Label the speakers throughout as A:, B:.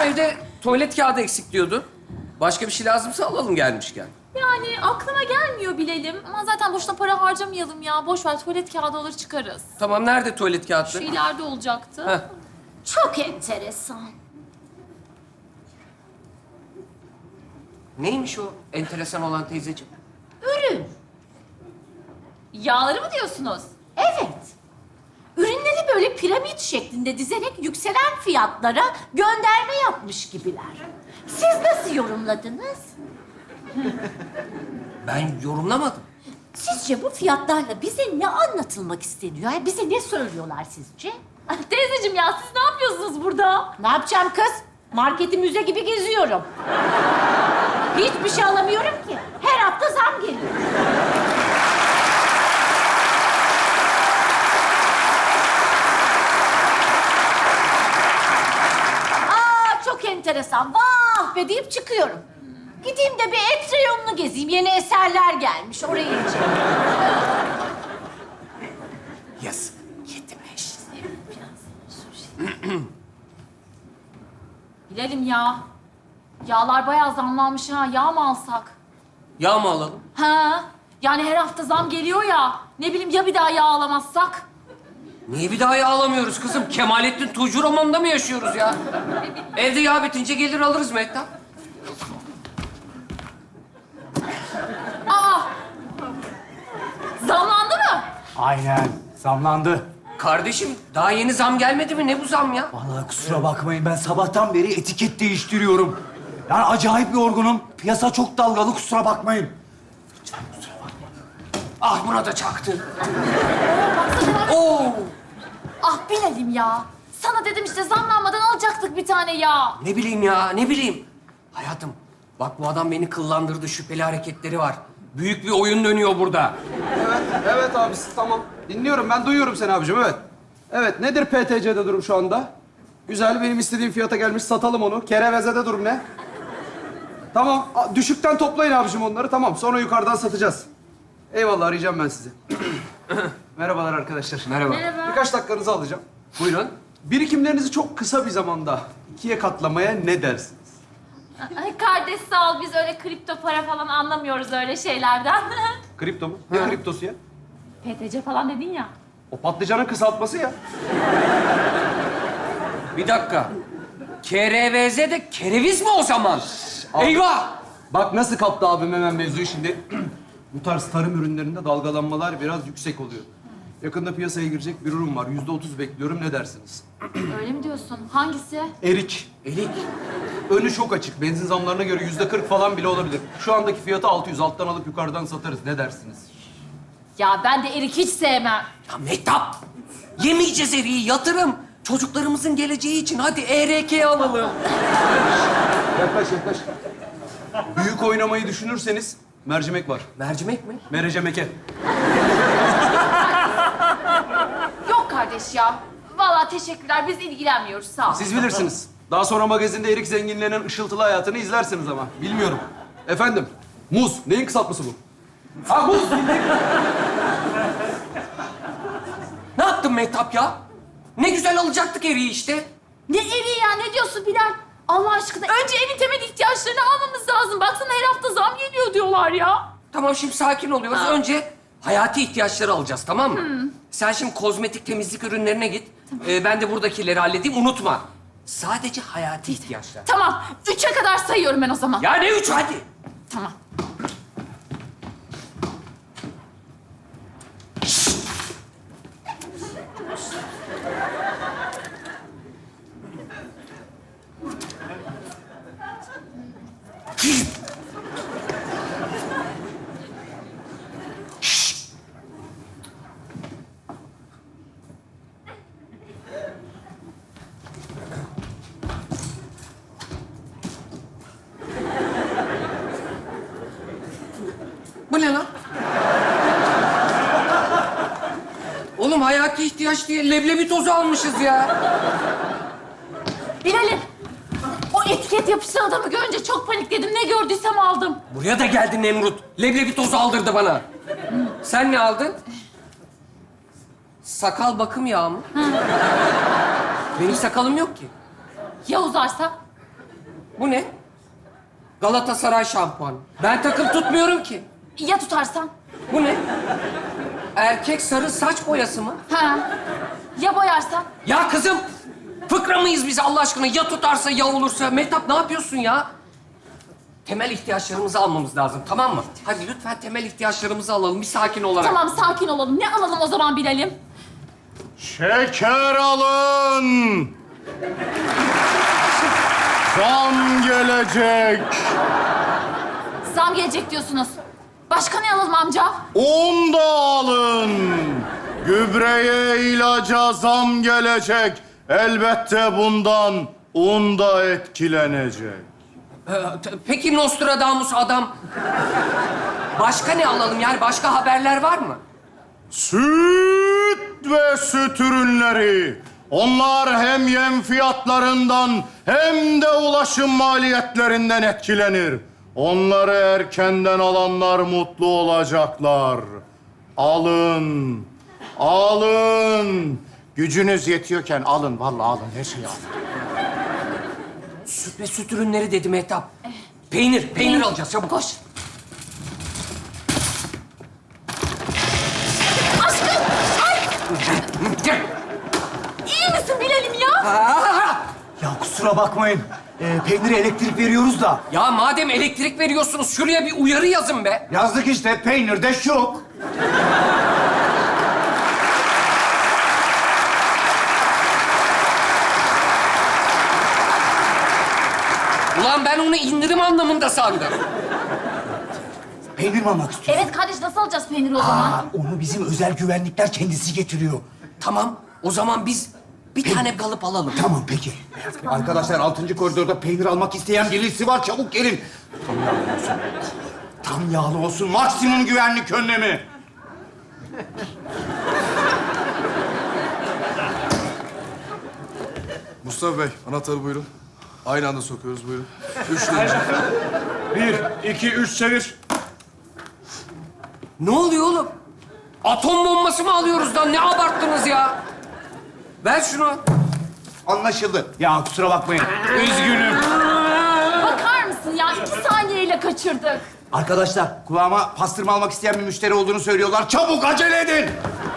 A: evde tuvalet kağıdı eksik diyordun. Başka bir şey lazımsa alalım gelmişken.
B: Yani aklıma gelmiyor bilelim. Ama zaten boşuna para harcamayalım ya. Boş ver, tuvalet kağıdı alır çıkarız.
A: Tamam, nerede tuvalet
B: Şu
A: kağıtları?
B: ileride olacaktı.
A: Heh.
C: Çok enteresan.
A: Neymiş o enteresan olan teyzeciğim?
C: Ürün.
B: Yağları mı diyorsunuz?
C: Evet. Ürünleri böyle piramit şeklinde dizerek yükselen fiyatlara gönderme yapmış gibiler. Siz nasıl yorumladınız?
A: Ben yorumlamadım.
C: Sizce bu fiyatlarla bize ne anlatılmak isteniyor? Yani bize ne söylüyorlar sizce?
B: Ay, teyzeciğim ya siz ne yapıyorsunuz burada?
C: Ne yapacağım kız? Marketi müze gibi geziyorum. Hiçbir şey alamıyorum ki. Her hafta zam geliyor. Aa, çok enteresan. Vah be deyip çıkıyorum. Gideyim de bir et reyonunu gezeyim. Yeni eserler gelmiş. Oraya ineceğim.
A: Yazık. Yedim eş.
B: Bilelim ya. Yağlar bayağı zamlanmış ha. Yağ mı alsak?
A: Yağ mı alalım?
B: Ha? Yani her hafta zam geliyor ya. Ne bileyim ya bir daha yağ alamazsak?
A: Niye bir daha yağ alamıyoruz kızım? Kemalettin Tuğcu romanında mı yaşıyoruz ya? Evde yağ bitince gelir alırız Mehtap.
B: Aa! Zamlandı mı?
D: Aynen, zamlandı.
A: Kardeşim daha yeni zam gelmedi mi? Ne bu zam ya?
D: Vallahi kusura bakmayın, ben sabahtan beri etiket değiştiriyorum. Yani acayip yorgunum. Piyasa çok dalgalı, kusura bakmayın.
A: Ah buna da çaktı. Oo!
B: Ah bilelim ya. Sana dedim işte zamlanmadan alacaktık bir tane yağ.
A: Ne bileyim ya, ne bileyim. Hayatım, bak bu adam beni kıllandırdı, şüpheli hareketleri var. Büyük bir oyun dönüyor burada.
E: Evet abisi tamam. Dinliyorum ben duyuyorum seni abicim evet. Evet nedir PTC'de durum şu anda? Güzel benim istediğim fiyata gelmiş satalım onu. Kereveze'de durum ne? Tamam düşükten toplayın abicim onları tamam sonra yukarıdan satacağız. Eyvallah arayacağım ben sizi. Merhabalar arkadaşlar.
A: Merhaba.
B: Merhaba.
E: Birkaç dakikanızı alacağım.
A: Buyurun.
E: Birikimlerinizi çok kısa bir zamanda ikiye katlamaya ne dersiniz?
B: Ay kardeş sağ ol. Biz öyle kripto para falan anlamıyoruz öyle şeylerden.
E: Kripto mu? Ne kriptosu ya?
B: PTC falan dedin ya.
E: O patlıcanın kısaltması ya.
A: Bir dakika. KRVZ de kereviz mi o zaman? Eyvah!
E: Bak nasıl kaptı abim hemen mevzuyu şimdi. Bu tarz tarım ürünlerinde dalgalanmalar biraz yüksek oluyor. Yakında piyasaya girecek bir ürün var. %30 bekliyorum. Ne dersiniz?
B: Öyle mi diyorsun? Hangisi?
E: Erik.
A: Elik.
E: Önü çok açık. Benzin zamlarına göre %40 falan bile olabilir. Şu andaki fiyatı 600. Alttan alıp yukarıdan satarız. Ne dersiniz?
B: Ya ben de erik hiç sevmem.
A: Ya Mehtap! Yemeyeceğiz eriği, yatırım. Çocuklarımızın geleceği için hadi ERK alalım.
E: Yaklaş yaklaş. Büyük oynamayı düşünürseniz mercimek var.
A: Mercimek mi?
E: Merecemeke.
B: Yok kardeş ya. Vallahi teşekkürler. Biz ilgilenmiyoruz. Sağ ol.
E: Siz bilirsiniz. Daha sonra magazinde erik zenginlerinin ışıltılı hayatını izlersiniz ama. Bilmiyorum. Efendim, muz. Neyin kısaltması bu? Ha muz.
A: Ne yaptın Mehtap ya? Ne güzel alacaktık eriği işte.
B: Ne eriği ya? Ne diyorsun Bilal? Allah aşkına önce evin temel ihtiyaçlarını almamız lazım. Baksana her hafta zam geliyor diyorlar ya.
A: Tamam şimdi sakin oluyoruz. Önce hayati ihtiyaçları alacağız tamam mı? Sen şimdi kozmetik temizlik ürünlerine git. Ben de buradakileri halledeyim unutma. Sadece hayati ihtiyaçlar.
B: Tamam. 3'e kadar sayıyorum ben o zaman.
A: Ya ne üç hadi.
B: Tamam.
A: Bu ne lan? Oğlum hayati ihtiyaç diye leblebi tozu almışız ya.
B: Bilal'im. O etiket yapışan adamı görünce çok panikledim. Ne gördüysem aldım.
A: Buraya da geldi Nemrut. Leblebi tozu aldırdı bana. Sen ne aldın? Sakal bakım yağı mı? Benim sakalım yok ki.
B: Ya uzarsa?
A: Bu ne? Galatasaray şampuanı. Ben takım tutmuyorum ki.
B: Ya tutarsan?
A: Bu ne? Erkek sarı saç boyası mı?
B: Ha. Ya boyarsan?
A: Ya kızım, fıkra mıyız biz Allah aşkına? Ya tutarsa ya olursa. Mehtap ne yapıyorsun ya? Temel ihtiyaçlarımızı almamız lazım, tamam mı? Hadi lütfen temel ihtiyaçlarımızı alalım, bir sakin olarak.
B: Tamam, sakin olalım. Ne alalım o zaman bilelim?
F: Şeker alın. Zam gelecek.
B: Zam gelecek diyorsunuz. Başka ne alalım amca?
F: Un da alın. Gübreye, ilaca zam gelecek. Elbette bundan un da etkilenecek.
A: Peki Nostradamus adam. Başka ne alalım yani? Başka haberler var mı?
F: Süt ve süt ürünleri. Onlar hem yem fiyatlarından hem de ulaşım maliyetlerinden etkilenir. Onları erkenden alanlar mutlu olacaklar. Alın, alın. Gücünüz yetiyorken alın, vallahi alın, her şeyi alın.
A: Süt ve süt ürünleri dedi Mehtap. Peynir alacağız çabuk.
B: Koş. Aşkım! Ay!
A: Gel.
B: İyi misin bilelim ya?
D: Ya kusura bakmayın. Peynire elektrik veriyoruz da.
A: Ya madem elektrik veriyorsunuz şuraya bir uyarı yazın be.
D: Yazdık işte, peynirde şok.
A: Ulan ben onu indirim anlamında sandım.
D: Peynir mi almak istiyorsun?
B: Evet kardeş, nasıl alacağız peyniri o zaman?
D: Aa, onu bizim özel güvenlikler kendisi getiriyor.
A: Tamam, o zaman biz bir tane kalıp alalım.
D: Tamam, peki. Arkadaşlar, 6. koridorda peynir almak isteyen birisi var. Çabuk gelin. Tam yağlı olsun. Tam yağlı olsun. Maksimum güvenlik önlemi.
G: Mustafa Bey, anahtarı buyurun. Aynı anda sokuyoruz, buyurun. 3 deyince.
F: 1, 2, 3 çevir.
A: Ne oluyor oğlum? Atom bombası mı alıyoruz lan? Ne abarttınız ya? Ver şunu.
D: Anlaşıldı. Ya kusura bakmayın. Üzgünüm.
B: Bakar mısın ya? 2 saniyeyle kaçırdık.
D: Arkadaşlar, kulağıma pastırma almak isteyen bir müşteri olduğunu söylüyorlar. Çabuk acele edin.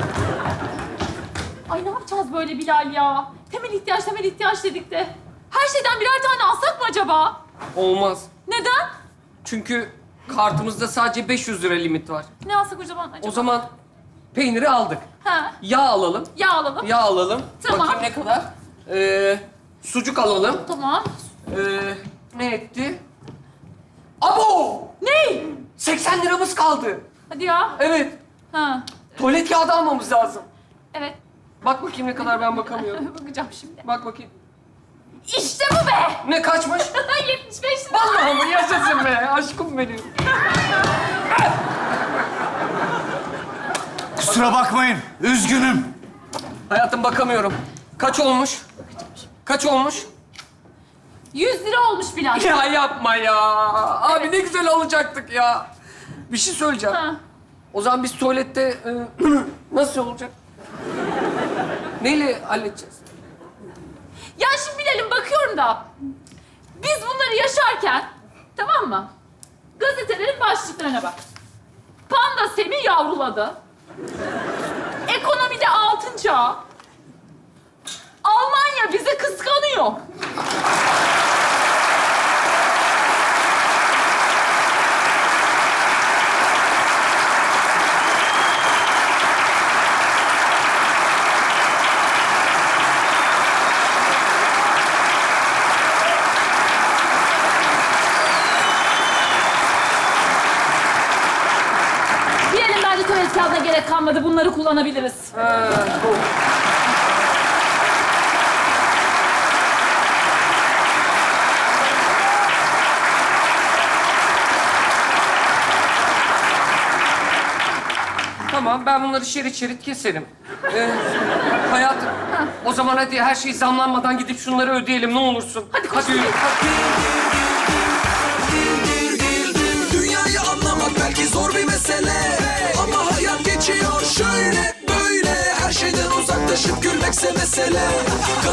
B: Ay ne yapacağız böyle Bilal ya? Temel ihtiyaç dedik de. Her şeyden birer tane alsak mı acaba?
A: Olmaz.
B: Neden?
A: Çünkü kartımızda sadece 500 lira limit var.
B: Ne alsak o zaman acaba?
A: O zaman peyniri aldık.
B: Ha,
A: Yağ alalım.
B: yağ alalım.
A: Yağ alalım.
B: Tamam.
A: Bakayım ne kadar. Sucuk alalım.
B: Tamam.
A: Ne etti? Abo!
B: Ne?
A: 80 liramız kaldı.
B: Hadi ya.
A: Evet.
B: Ha,
A: Tuvalet kağıdı almamız lazım.
B: evet.
A: Bak bakayım ne kadar, ben bakamıyorum.
B: Bakacağım şimdi.
A: Bak bakayım.
B: İşte bu be!
A: Ne kaçmış?
B: 75 lira.
A: Vallahi mı? Yaşasın be. Aşkım benim.
D: Kusura bakmayın. Üzgünüm.
A: Hayatım bakamıyorum. Kaç olmuş? Kaç olmuş?
B: 100 lira olmuş Bilal.
A: Ya yapma ya. Abi ne güzel alacaktık ya. Bir şey söyleyeceğim.
B: Ha.
A: O zaman biz tuvalette nasıl olacak? Neyle halledeceğiz?
B: Ya şimdi Bilal'im bakıyorum da. Biz bunları yaşarken, tamam mı? Gazetelerin başlıklarına bak. Panda Semi yavruladı. Ekonomide altın çağ. Almanya bizi kıskanıyor. Diyelim bence tuvalet kağıdına gerek kalmadı. Bunları kullanabiliriz.
A: Tamam, ben bunları şerit şerit keserim. Hayatım, o zaman hadi her şey zamlanmadan gidip şunları ödeyelim ne olursun.
B: Hadi koş.
H: Dünyayı anlamak belki zor bir mesele, ama hayat geçiyor şöyle böyle. Her şeyden uzaklaşıp gülmekse mesele.